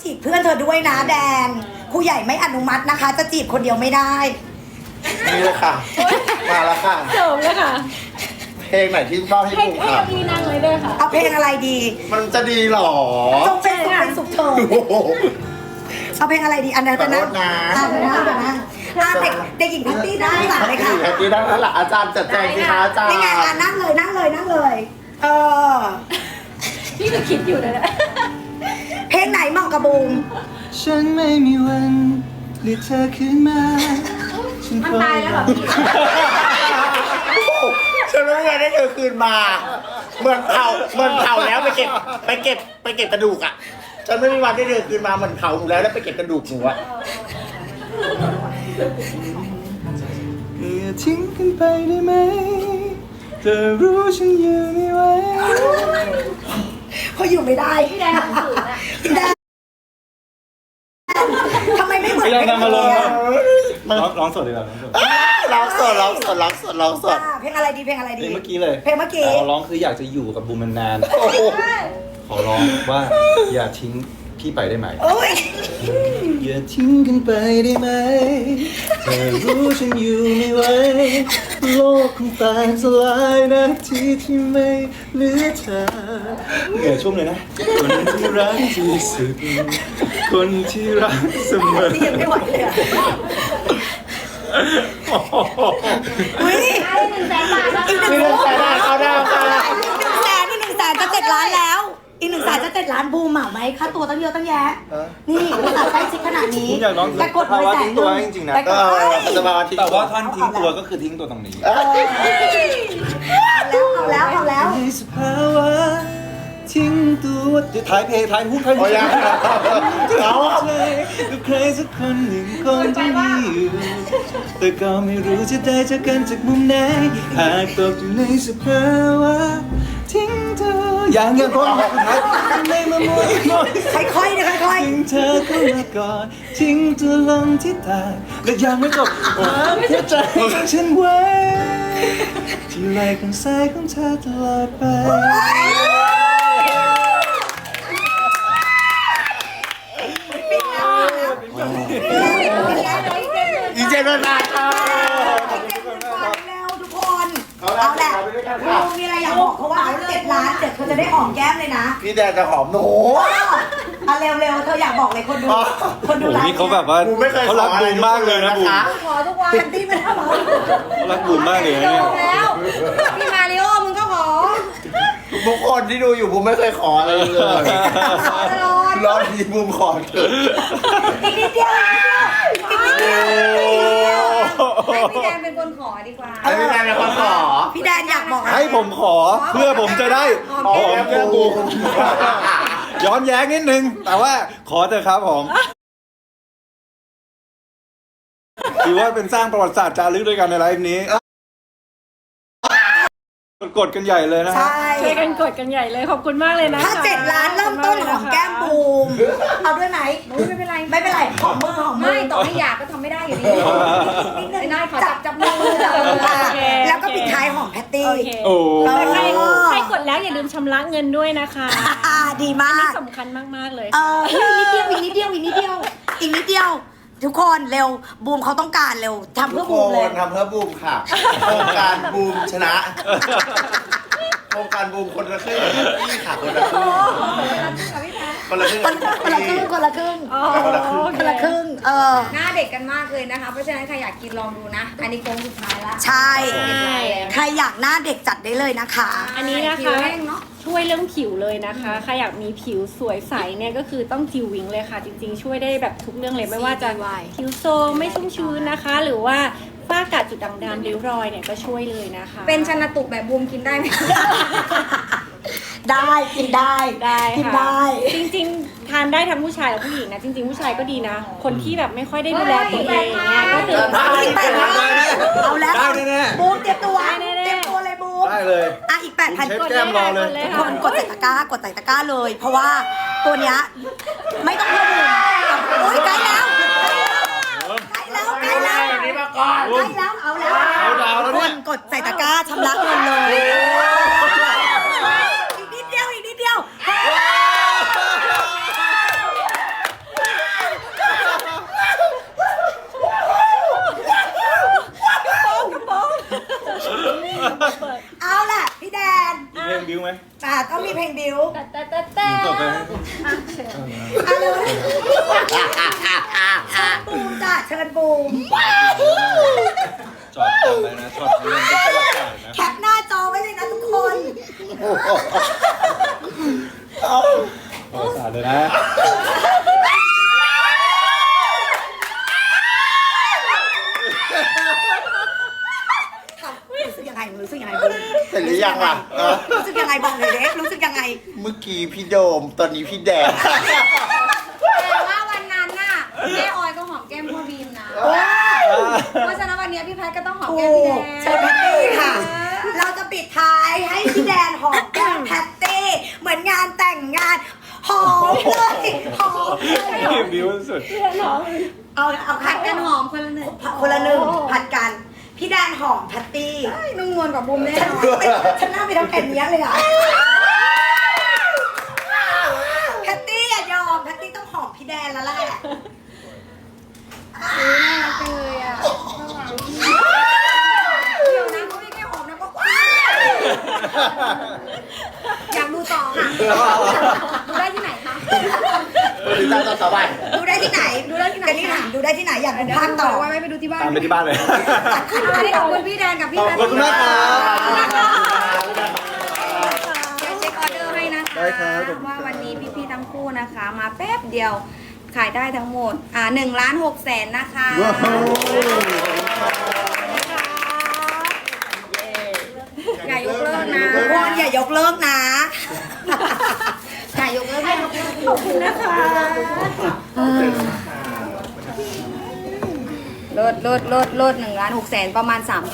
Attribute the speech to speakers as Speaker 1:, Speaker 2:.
Speaker 1: จีบเพื่อนเธอด้วยนะแดนครูใหญ่ไม่อนุมัตินะคะ จะจีบคนเดียวไม่ได้
Speaker 2: นี่เลยค่ะ มาแล้วค่ะ
Speaker 3: จบเลยค่ะ
Speaker 2: เพลงไหนที่ชอบให้
Speaker 3: ให้
Speaker 2: บูม
Speaker 3: ให้
Speaker 2: ค่ะ
Speaker 3: พี่นั่งเลยด้วยค่ะ
Speaker 1: เอาเพลงอะไรดี
Speaker 2: มันจะดีหรอ
Speaker 1: จงเป็นสุขเถิด
Speaker 2: โอ้โห
Speaker 1: เอาเพลงอะไรดีอันนั้น
Speaker 2: ขอโทษนะ
Speaker 1: เดี๋ยวนะเด็กหญิงแพตตี้ได้หลังเลยค่ะ
Speaker 2: แฮปปี้ได้แล้วล่ะอาจารย์จัดแจงสิคะอาจารย์
Speaker 1: นี่ไงนั่งเลยเออ
Speaker 3: พี่ก็คิดอยู่นะ
Speaker 1: เพลงไหนเหมาะกับบูม
Speaker 4: ฉันไม่มีวันเรียกเธอขึ้นมาฉัน
Speaker 3: มันตายแล้วเหรอพี่
Speaker 2: ฉันไม่ได้ได้เธอคืนมาเหมือนเผาแล้วไปเก็บกระดูกอ่ะฉันไม่มีวันได้เธอคืนมาเหมือนเผาหนูแล้วไปเก็บกระดูกหนูอ่ะ
Speaker 4: อย่าทิ้งกันไปได้ไหมเธอรู้ฉันอยู่ไม่ไหว
Speaker 1: เขาอยู่ไม่ได้
Speaker 3: พี่แดนฝืนอะ
Speaker 1: แดนทำไมไม่เหมือน
Speaker 4: ไม่ได้นำมาลง
Speaker 1: เพลง
Speaker 4: ร้องสดดีกว่า
Speaker 2: ร้องสด
Speaker 1: เพลงอะไรดีเพลงอะไรดี
Speaker 4: เมื่อกี้เลย
Speaker 1: เพลงเมื่อกี้
Speaker 4: ขอร้องคืออยากจะอยู่กับบูมนาน
Speaker 2: โอ้โห
Speaker 4: ๆขอร้องว่าอย่าทิ้งพี่ไปได้ไหม
Speaker 1: โอ้ย
Speaker 4: อย่าทิ้งกันไปได้ไหมเธอรู้ฉันอยู่ไม่ไหวโลกคงแตกสลายนาทีที่ไม่เหลือเธอเหนื่อยชุ่มเลยนะคนที่รักที่สุดคนที่รักเสมอ
Speaker 1: นี่ยังไม่ไหวเลยอ่ะอุ้ย
Speaker 3: ได้100,000 บาทแล้ว
Speaker 1: อีกหนึ่ง
Speaker 2: นี่เรื่องแต่ได้เขาได้ค่ะ
Speaker 1: อีก100,000จะ7 ล้านแล้ว อีก100,000จะ7 ล้านบูมเหมาไหมค่าตัวตั้งเยอะตั้งแยะ นี่ภาษาใกล้ชิดขนาดนี้
Speaker 4: ผมอยากร้อง
Speaker 1: แต่กด
Speaker 4: ภาวะ
Speaker 1: 100,000
Speaker 4: ทิ้งตัวจริงๆนะ
Speaker 1: แต่กด
Speaker 2: จะมาทิ้ง
Speaker 4: แต่ว่าท่านทิ้งตัวก็คือทิ้งตัวตรงนี้
Speaker 1: เอาแล้ว
Speaker 4: ในสภาวะทิ้งตัวท้ายเพลงท้ายฮุกท้ายฮุ
Speaker 2: โอ้
Speaker 4: ก
Speaker 2: ยยังเขาอ่ะ
Speaker 4: ใจกับใครสักคนหนึ่งคงจะมีอยู่แต่ก็ไม่รู้จะได้เจอกันจากมุมไหนหากตกอยู่ในสภาวะทิ้งเธออย่างพอสุดท้ายไม่มามัวมอย
Speaker 1: ค่อยๆนะค่อย
Speaker 4: ทิ้งเธอเข้ามาก่อนทิ้งตัวลงที่ตายและยังไม่จบความหัวใจของฉันไว้ที่ไหล่ข้างซ้ายของเธอตลอดไป
Speaker 2: อีเจนเป็นนาค่ะ
Speaker 1: แล้วทุกคนเอาแหละบูมมีอะไรอยากบอกเขาว่าเอา7 ล้านเดี๋ยวเธอจะได้หอมแก้มเลยนะ
Speaker 2: พี่แดนจะหอมหนู
Speaker 1: เอาเร็วๆเธออยากบอกเลยคนดูไลฟ์
Speaker 4: นี่เขาแบบว่า
Speaker 2: กูไม่เคย
Speaker 4: เขารักบูมมากเลยนะบูม
Speaker 3: ขอทุกวัน
Speaker 1: แพตตี้ไม่ได้หรอ
Speaker 4: เขารักบูมมากเลยนะเนี่ย
Speaker 3: แล้วพี่มาริโอมึงก็ขอ
Speaker 2: ทุกคนที่ดูอยู่ผมไม่เคยขออะไรเลย
Speaker 3: ขอตลอด
Speaker 2: รอบนี้บูมขอเถอะ
Speaker 1: อีกนิดเดียวอีกนิดเดียว
Speaker 3: ให้พี่แดนเป็นคนขอดีกว่า
Speaker 2: ไอ้พี่แดนเป็นคนขอ
Speaker 1: พี่แดนอยากบอกอะไร
Speaker 4: ให้ผมขอเพื่อผมจะได้
Speaker 2: ขอแก้มบูม
Speaker 4: ย้อนแย้งนิดนึง แต่ว่าขอเถอะครับผมถือว่าเป็นสร้างประวัติศาสตร์จารึกด้วยกันในไลฟ์นี้ กดกันใหญ่เลยนะฮะ
Speaker 1: ใช่
Speaker 3: ช่วยกันกดกันใหญ่เลยขอบคุณมากเลยนะ
Speaker 1: ถ้า7 ล้านเริ่มต้นของแก้มบูมเอาด้วยไหม
Speaker 3: ไม่เป็นไร
Speaker 1: ไม่เป็นไรหอมมือ
Speaker 3: ไม่ต่อให้อยากก็ทำไม่ได้อยู่ดี
Speaker 1: นิดนึง
Speaker 3: ไม่ได้ขอจับมือ
Speaker 1: แล้วก็ปิดท้ายหอมแพตตี้
Speaker 3: โอเค
Speaker 4: โอ้
Speaker 3: แต่ใครกดแล้วอย่าลืมชำระเงินด้วยนะคะ
Speaker 1: ดีมา
Speaker 3: นี่
Speaker 1: ก
Speaker 3: สำคัญมากๆเลย
Speaker 1: อีกนิดเดียวอีกนิดเดียว ทุกคนเร็วบูมเขาต้องการเร็วทำ
Speaker 2: ทุ
Speaker 1: เพื่
Speaker 2: ก
Speaker 1: อ
Speaker 2: ค
Speaker 1: บูมเลย
Speaker 2: นทำเพื่อบูมค่ะโครงการบูมชนะโครงการบูมคนละครึ่งนี่ค่ะคนละครึ่งคนละครึ่ง
Speaker 1: คนละครึ่งคนละครึ่ง
Speaker 3: อ๋อ
Speaker 1: คนละครึ่ง
Speaker 5: หน้าเด็กกันมากเลยนะคะ เพราะฉะนั้นใครอยากกินลองดูนะ อันนี้โค้งสุดท้ายละ
Speaker 1: ใช่
Speaker 3: ใช่
Speaker 1: ใครอยากหน้าเด็กจัดได้เลยนะคะ
Speaker 3: อันนี้นะ
Speaker 5: ผิว
Speaker 3: คะ
Speaker 5: แห้งเนาะ
Speaker 3: ช่วยเรื่องผิวเลยนะคะใครอยากมีผิวสวยใสเนี่ยก็คือต้องจิววิงเลยค่ะ จริงๆ ช่วยได้แบบทุกเรื่องเลยไม่ว่าจะผิวโซมไม่ชุ่มชื้นนะคะ หรือว่าฝ้ากระจุดด่างดำริ้วรอยเนี่ยก็ช่วยเลยนะคะ
Speaker 5: เป็นชนตุกแบบบูมกินได้ไหม
Speaker 1: ได้กินได้
Speaker 3: ได้
Speaker 1: กิน
Speaker 3: ค่ะ
Speaker 1: ได้
Speaker 3: จริงๆ ทานได้ทั้งผู้ชายและผู้หญิงนะจริงๆ ผู้ชายก็ดีนะ คนที่แบบไม่ค่อยได้ดูแลตัวเองเนี่ยก็ถือ
Speaker 1: เอาอีก8,000เอาแล้ว
Speaker 4: ได้แน่ๆ
Speaker 1: บูมเตรียมตัว
Speaker 3: ได้แน่ๆ
Speaker 1: เตรียมตัวเลยบูม
Speaker 4: ได้เลย
Speaker 1: อ่ะอีก 8,000
Speaker 4: เช็ดแก้มรอเลย
Speaker 1: ทุกคนกดใส่ตะกร้ากดใส่ตะกร้าเลย เพราะว่าตัวเนี้ยไม่ต้องเพิ่มบูมโอ้ยใกล้แล้วใกล้แล้วใกล้แล้ว
Speaker 2: แบบนี้มาก่อน
Speaker 1: ใกล้แล้วเอาแล้ว
Speaker 4: เอาดาวแล้ว
Speaker 1: ทุก
Speaker 4: เนี่
Speaker 1: ค
Speaker 4: ย
Speaker 1: นกดใส่ตะกร้าชำระเงินเลยอีกนิดเดียวอ่ะเลยบูมจ้ะเชิญบูม
Speaker 4: จอดตรงเลยนะจอดเงินเป็นตลาดนะ
Speaker 1: แคปหน้าจอไว้เลยนะทุกคน
Speaker 4: ขอสาเลยนะ
Speaker 1: รู้สึกยังไงรู้สึกยังไงบูม
Speaker 2: เสร็จหรือยังล่ะ
Speaker 1: รู้สึกยังไงบอกเลยเด็กรู้สึกยังไง
Speaker 2: เมื่อกี้พี่โดมตอนนี้พี่แดง
Speaker 5: แต่ว่าวันนั้นน่ะแม่ออยก็หอมแก้มพ่อบีมนะ เพราะฉะนั้นวันนี้พี่แพทก็ต้องหอม
Speaker 1: ถู
Speaker 5: แก้มพี่แด
Speaker 1: ก
Speaker 5: ง
Speaker 1: เชิญแพตตี้ค่ะ เราจะปิดท้ายให้พี่แดนหอมแก้มแพตตี้เหมือนงานแต่งงานหอมเลยหอมเลย
Speaker 4: รีบดิ้วสุด
Speaker 1: เอา
Speaker 5: ผั
Speaker 1: ผั
Speaker 5: ด
Speaker 1: ด
Speaker 5: กั
Speaker 1: กัน น
Speaker 5: ห
Speaker 1: ห
Speaker 5: อ
Speaker 1: อ
Speaker 5: ม
Speaker 1: ม
Speaker 5: คนละหนึ่ง
Speaker 1: คนละหนึ่งผัดกัน พี่แดนหอมแพตตี้
Speaker 5: นุ่มนวลกว่าบุมแน่
Speaker 1: ฉัน
Speaker 5: นอน
Speaker 1: ฉันน่าไปทำแผ่นนี้เลยอะแพตตี้อย่ายอมแพตตี้ต้องหอมพี่แดนแล้วแหละ
Speaker 5: น่ารักจังเลยอ่ะเดี๋ยวนะเขาไม่แค่หอมนะก็อยากดูต่อค่ะดูได้ที่ไหนคะ
Speaker 2: ติดตามต่อไป
Speaker 1: ดูได้ที่ไหน
Speaker 5: ดูได้ที่ไหน
Speaker 1: กันนี่ถามดูได้ที่ไหนอยากดูภาคต่อ
Speaker 5: ไว้ไปดูที่บ้าน
Speaker 4: ตามไปที่บ้านเลย
Speaker 5: อันนี้ขอบคุณพี่แดนกับพี่แพท
Speaker 2: ขอบคุณมากครับ
Speaker 5: เดี๋ยวเช็คออเดอร์ให้นะคะ
Speaker 2: ได้ครับขอบคุณครับ
Speaker 5: ว่าวันนี้พี่ๆทั้งคู่นะคะ มาแป๊บเดียวขายได้ทั้งหมด1,600,000นะคะ
Speaker 2: ว้าว
Speaker 5: อย่ายกเลิกนะ
Speaker 1: ทุกคนอย่ายกเลิกนะ
Speaker 5: อย่ายกเลิกนะ
Speaker 3: ขอบคุณนะคะ
Speaker 5: ลด1,600,000ประมาณ3,000